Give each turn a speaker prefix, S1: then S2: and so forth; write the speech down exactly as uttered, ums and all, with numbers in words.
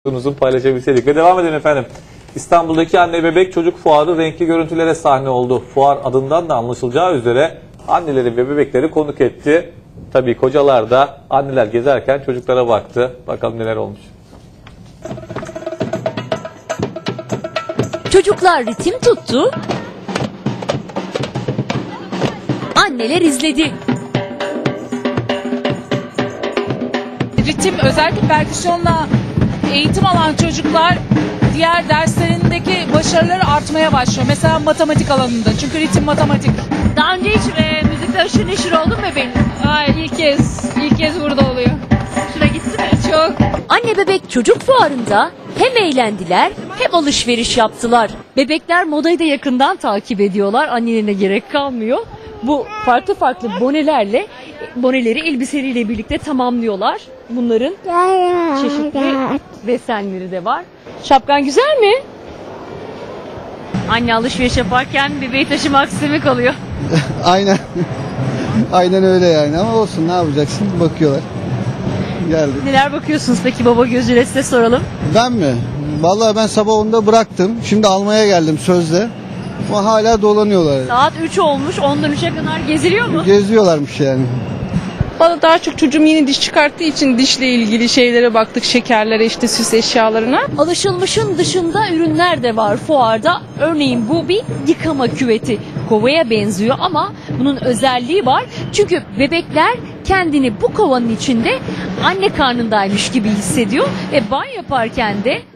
S1: Uzun paylaşabilseydik. Ve devam edelim efendim. İstanbul'daki anne bebek çocuk fuarı renkli görüntülere sahne oldu. Fuar adından da anlaşılacağı üzere anneleri ve bebekleri konuk etti. Tabii kocalar da anneler gezerken çocuklara baktı. Bakalım neler olmuş.
S2: Çocuklar ritim tuttu. Anneler izledi.
S3: Ritim, özellikle perküsyonla eğitim alan çocuklar diğer derslerindeki başarıları artmaya başlıyor. Mesela matematik alanında. Çünkü ritim matematik.
S2: Daha önce hiç e, müzikle aşırı neşir oldun mu bebeğin?
S3: Ay ilk kez, ilk kez burada oluyor.
S2: Şuna gitti mi?
S3: Çok.
S2: Anne bebek çocuk fuarında hem eğlendiler hem alışveriş yaptılar. Bebekler modayı da yakından takip ediyorlar. Annelerine gerek kalmıyor. Bu farklı farklı bonelerle, boneleri elbiseleriyle birlikte tamamlıyorlar. Bunların çeşitli desenleri de var. Şapkan güzel mi? Anne alışveriş yaparken bebeği taşımak istemek oluyor.
S4: Aynen. Aynen öyle yani, ama olsun, ne yapacaksın, bakıyorlar. Geldik.
S2: Neler bakıyorsunuz peki baba gözüyle, size soralım.
S4: Ben mi? Vallahi ben sabah onda bıraktım. Şimdi almaya geldim sözde. Ama hala dolanıyorlar.
S2: Saat üç olmuş, ondan üçe kadar geziliyor mu?
S4: Geziyorlarmış yani.
S5: Bana daha çok çocuğum yeni diş çıkarttığı için dişle ilgili şeylere baktık, şekerlere, işte süs eşyalarına.
S2: Alışılmışın dışında ürünler de var fuarda. Örneğin bu bir yıkama küveti. Kovaya benziyor ama bunun özelliği var. Çünkü bebekler kendini bu kovanın içinde anne karnındaymış gibi hissediyor ve banyo yaparken de